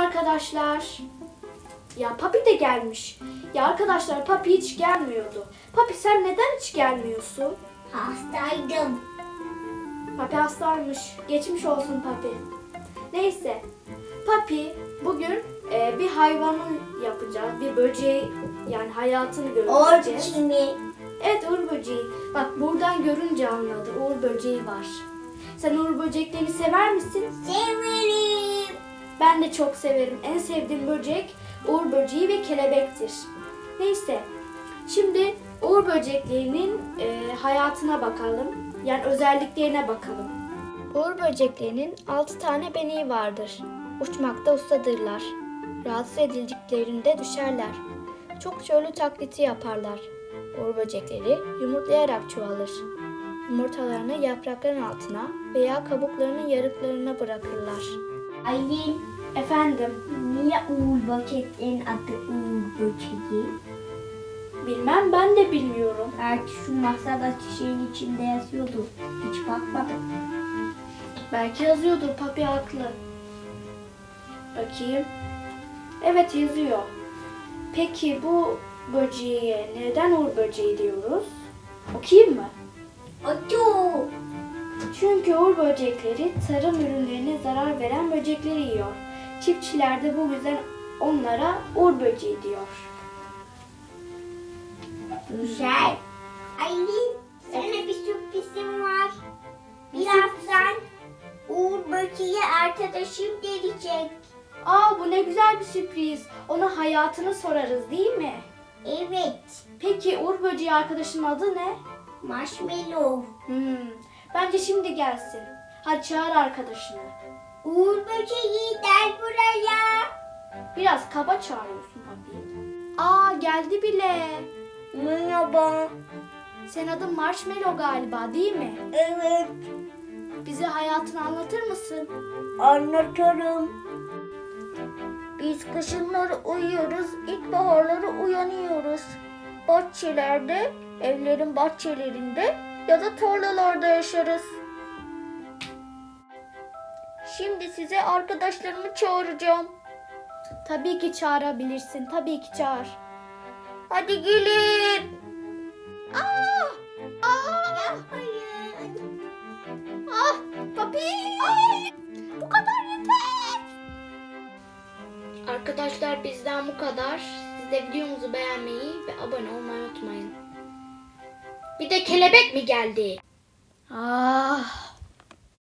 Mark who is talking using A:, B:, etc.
A: arkadaşlar. Ya Papi de gelmiş. Ya arkadaşlar Papi hiç gelmiyordu. Papi sen neden hiç gelmiyorsun?
B: Hastaydım.
A: Papi hastaymış. Geçmiş olsun Papi. Neyse. Papi bugün bir hayvanı yapacağız. Bir böceği yani hayatını göreceğiz.
B: Orçun mi?
A: Evet Uğur böceği. Bak buradan görünce anladı. Uğur böceği var. Sen Uğur böceklerini sever misin?
B: Severim.
A: Ben de çok severim. En sevdiğim böcek Uğur böceği ve kelebektir. Neyse. Şimdi Uğur böceklerinin hayatına bakalım. Yani özelliklerine bakalım. Uğur böceklerinin 6 tane beneği vardır. Uçmakta ustadırlar. Rahatsız edildiklerinde düşerler. Çokça ölü taklidi yaparlar. Uğur böcekleri yumurtlayarak çoğalır. Yumurtalarını yaprakların altına veya kabuklarının yarıklarına bırakırlar.
B: Aylin,
A: Efendim,
B: niye Uğur Böceklerin adı Uğur Böceği?
A: bilmem ben de bilmiyorum.
B: Belki şu masadaki şeyin içinde yazıyordu. Hiç bakmadım.
A: Belki yazıyordur, Papi haklı. Bakayım. Evet yazıyor. Peki bu böceğe neden Uğur böceği diyoruz? Okuyayım mı?
B: Otu.
A: Çünkü Uğur böcekleri tarım ürünlerine zarar veren böcekleri yiyor. Çiftçiler de bu yüzden onlara Uğur böceği diyor.
B: Güzel. Aylin, sana bir sürprizim var. Birazdan Uğur Böceği arkadaşım gelecek.
A: Aa bu ne güzel bir sürpriz. Ona hayatını sorarız değil mi?
B: Evet.
A: Peki Uğur böceği arkadaşının adı ne?
B: Marshmallow.
A: Bence şimdi gelsin. Hadi çağır arkadaşını.
B: Uğur Böceği gel buraya.
A: Biraz kaba çağırıyorsun Papi. Aa geldi bile.
B: Merhaba.
A: Senin adın Marshmallow galiba değil mi?
B: Evet.
A: Bize hayatını anlatır mısın?
B: Anlatırım. Biz kışınları uyuyoruz, ilkbaharları uyanıyoruz. Bahçelerde, evlerin bahçelerinde ya da tarlalarda yaşarız. Şimdi size arkadaşlarımı çağıracağım.
A: Tabii ki çağırabilirsin. Tabii ki çağır.
B: Hadi gelin.
A: Aa! Ah! Papi! Bu kadar yeter. Arkadaşlar bizden bu kadar. Siz de videomuzu beğenmeyi ve abone olmayı unutmayın. Bir de kelebek mi geldi? Ah!